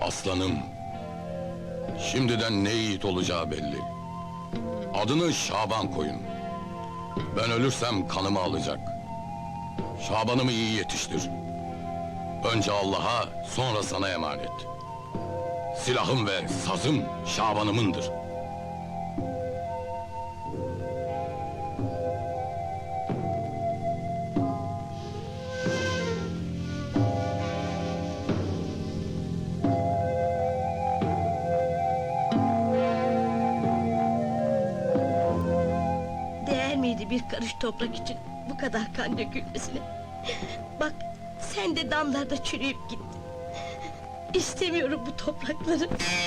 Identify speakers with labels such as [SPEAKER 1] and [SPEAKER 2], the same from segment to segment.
[SPEAKER 1] Aslanım, şimdiden ne yiğit olacağı belli. Adını Şaban koyun. Ben ölürsem kanımı alacak. Şaban'ımı iyi yetiştir. Önce Allah'a, sonra sana emanet. Silahım ve sazım Şaban'ımındır.
[SPEAKER 2] Değer miydi bir karış toprak için bu kadar kan dökülmesine? Bak, sen de damlarda çürüyüp gittin. İstemiyorum bu toprakları.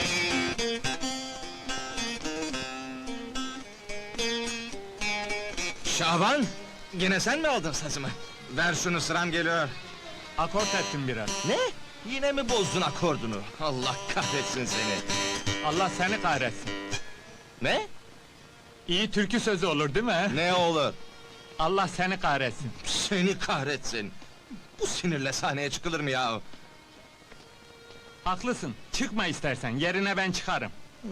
[SPEAKER 3] Şaban, yine sen mi aldın sazımı? Ver şunu, sıram geliyor.
[SPEAKER 4] Akort ettim biraz.
[SPEAKER 3] Ne? Yine mi bozdun akordunu? Allah kahretsin seni!
[SPEAKER 4] Allah seni kahretsin.
[SPEAKER 3] Ne?
[SPEAKER 4] İyi türkü sözü olur değil mi?
[SPEAKER 3] Ne olur?
[SPEAKER 4] Allah seni kahretsin.
[SPEAKER 3] Seni kahretsin! Bu sinirle sahneye çıkılır mı ya?
[SPEAKER 4] Haklısın. Çıkma istersen. Yerine ben çıkarım.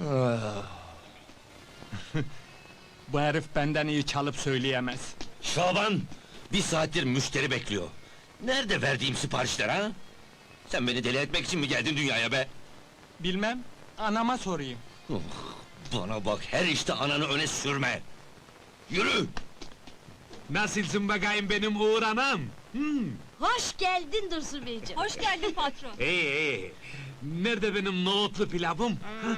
[SPEAKER 4] Bu herif benden iyi çalıp söyleyemez.
[SPEAKER 5] Şaban! Bir saattir müşteri bekliyor. Nerede verdiğim siparişler ha? Sen beni deli etmek için mi geldin dünyaya be?
[SPEAKER 4] Bilmem. Anama sorayım.
[SPEAKER 5] Bana bak, her işte ananı öne sürme! Yürü!
[SPEAKER 6] Nasılsın bakayım benim Uğur anam?
[SPEAKER 2] Hoş geldin Dursun Beyciğim.
[SPEAKER 7] Hoş geldin patron.
[SPEAKER 6] İyi. Nerede benim nohutlu pilavım?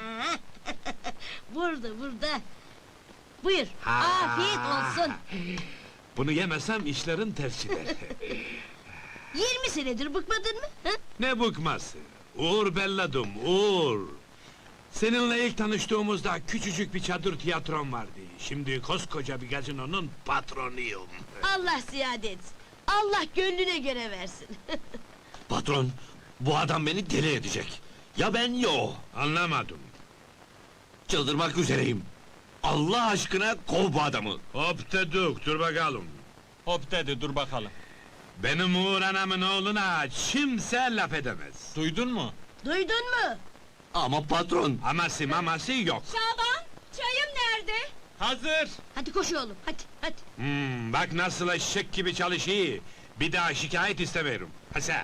[SPEAKER 2] Burada. Buyur,
[SPEAKER 6] Ha.
[SPEAKER 2] afiyet olsun.
[SPEAKER 6] Bunu yemesem işlerin tersidir.
[SPEAKER 2] 20 senedir bıkmadın mı? Hı?
[SPEAKER 6] Ne bıkması? Uğur belladım, Uğur! Seninle ilk tanıştığımızda küçücük bir çadır tiyatrom vardı. Şimdi koskoca bir gazinonun patronuyum.
[SPEAKER 2] Allah ziyade etsin. Allah gönlüne göre versin.
[SPEAKER 5] Patron, bu adam beni deli edecek. Ya ben ya o.
[SPEAKER 6] Anlamadım.
[SPEAKER 5] Çıldırmak üzereyim. Allah aşkına kov bu adamı!
[SPEAKER 6] Hop dedik, dur bakalım.
[SPEAKER 4] Hop dedi, dur bakalım.
[SPEAKER 6] Benim Uğur anamın oğluna kimse laf edemez.
[SPEAKER 4] Duydun mu?
[SPEAKER 2] Duydun mu?
[SPEAKER 5] Ama patron!
[SPEAKER 6] Aması maması yok.
[SPEAKER 7] Şaban, çayım nerede?
[SPEAKER 4] Hazır!
[SPEAKER 2] Hadi koş oğlum, hadi.
[SPEAKER 6] Bak nasıl eşek gibi çalışıyor. Bir daha şikayet istemiyorum. Hasa.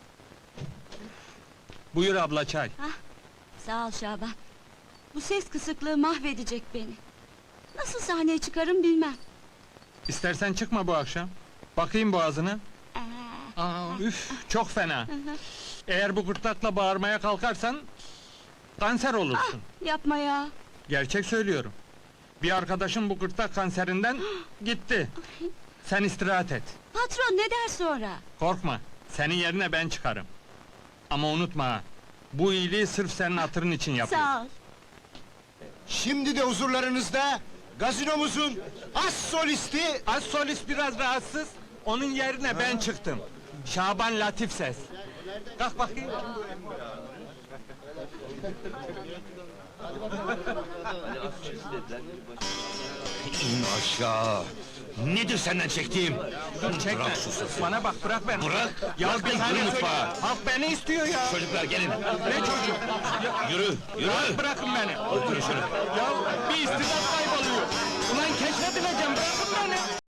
[SPEAKER 4] Buyur abla çay.
[SPEAKER 7] Sağ ol Şaban. Bu ses kısıklığı mahvedecek beni. Nasıl sahneye çıkarım bilmem.
[SPEAKER 4] İstersen çıkma bu akşam. Bakayım boğazına. Üf, çok fena. Eğer bu gırtlakla bağırmaya kalkarsan... ...kanser olursun.
[SPEAKER 7] Yapma ya.
[SPEAKER 4] Gerçek söylüyorum. Bir arkadaşım bu gırtlak kanserinden gitti. Sen istirahat et.
[SPEAKER 7] Patron ne der sonra?
[SPEAKER 4] Korkma, senin yerine ben çıkarım. Ama unutma ha, bu iyiliği sırf senin hatırın için yapıyorum.
[SPEAKER 7] Sağ ol.
[SPEAKER 3] Şimdi de huzurlarınızda gazinomuzun as solisti...
[SPEAKER 4] Az solist biraz rahatsız, onun yerine ben çıktım. Şaban Latif Ses. Kalk bakayım.
[SPEAKER 5] İn aşağı! Nedir senden çektiğim?
[SPEAKER 4] Dur çekme.
[SPEAKER 5] Bırak şu sesi.
[SPEAKER 4] Bana bak, bırak beni.
[SPEAKER 5] Bırak!
[SPEAKER 4] Ya
[SPEAKER 5] Bırak
[SPEAKER 4] bir
[SPEAKER 5] beni,
[SPEAKER 4] saniye
[SPEAKER 5] yürü
[SPEAKER 4] söyle.
[SPEAKER 5] mutfağa!
[SPEAKER 4] Halk beni istiyor ya.
[SPEAKER 5] Çocuklar gelin!
[SPEAKER 4] Ne çocuk?
[SPEAKER 5] Yürü! Yürü!
[SPEAKER 4] Rahat bırakın beni.
[SPEAKER 5] Oturun şöyle!
[SPEAKER 4] Ya bir istidat kayboluyor. Ulan keşfedileceğim, bırakın beni.